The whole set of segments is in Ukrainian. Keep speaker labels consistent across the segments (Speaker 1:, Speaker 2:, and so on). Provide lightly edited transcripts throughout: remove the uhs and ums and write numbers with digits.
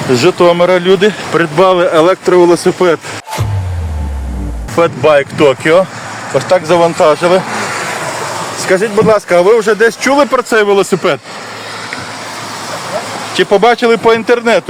Speaker 1: З Житомира люди придбали електровелосипед Fatbike Tokyo. Ось так завантажили. Скажіть, будь ласка, а ви вже десь чули про цей велосипед? Чи побачили по інтернету?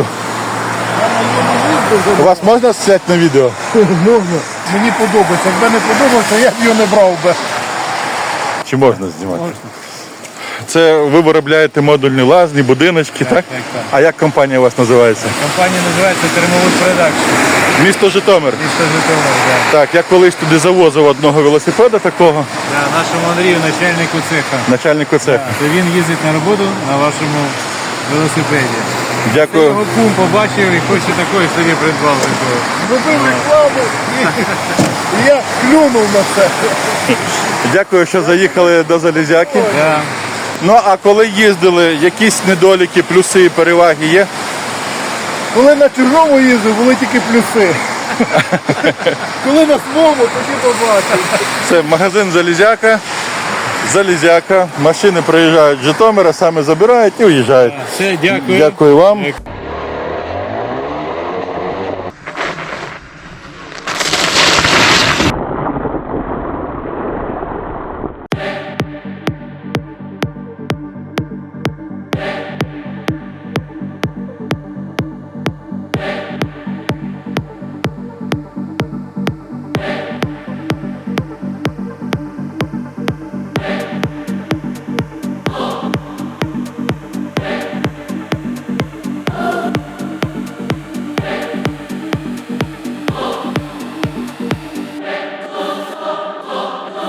Speaker 1: Вас можна зняти на відео?
Speaker 2: Можна. Мені подобається. Якби не подобався, я б його не брав би.
Speaker 1: Чи можна знімати? Це ви виробляєте модульні лазні, будиночки, так?
Speaker 2: Так.
Speaker 1: А як компанія у вас називається?
Speaker 2: Компанія називається Термовод Продакшн.
Speaker 1: Місто Житомир.
Speaker 2: Місто Житомир, так.
Speaker 1: Так, я колись туди завозив одного велосипеда такого,
Speaker 2: Да, нашому Андрію, начальнику цеха.
Speaker 1: начальнику цеху.
Speaker 2: То він їздить на роботу на вашому велосипеді.
Speaker 1: Дякую.
Speaker 2: Його кум побачив і хоче такої собі придбав такого.
Speaker 3: Робив рекламу і я клюнув на це.
Speaker 1: Дякую, що заїхали до Залізяки.
Speaker 2: Да.
Speaker 1: Ну, а коли їздили, якісь недоліки, плюси і переваги є?
Speaker 3: Коли на чужому їздив, були тільки плюси. Коли на своєму, тоді побачив.
Speaker 1: Це магазин Залізяка. Залізяка. Машини приїжджають з Житомира, саме забирають і уїжджають.
Speaker 2: Все, дякую.
Speaker 1: Дякую вам.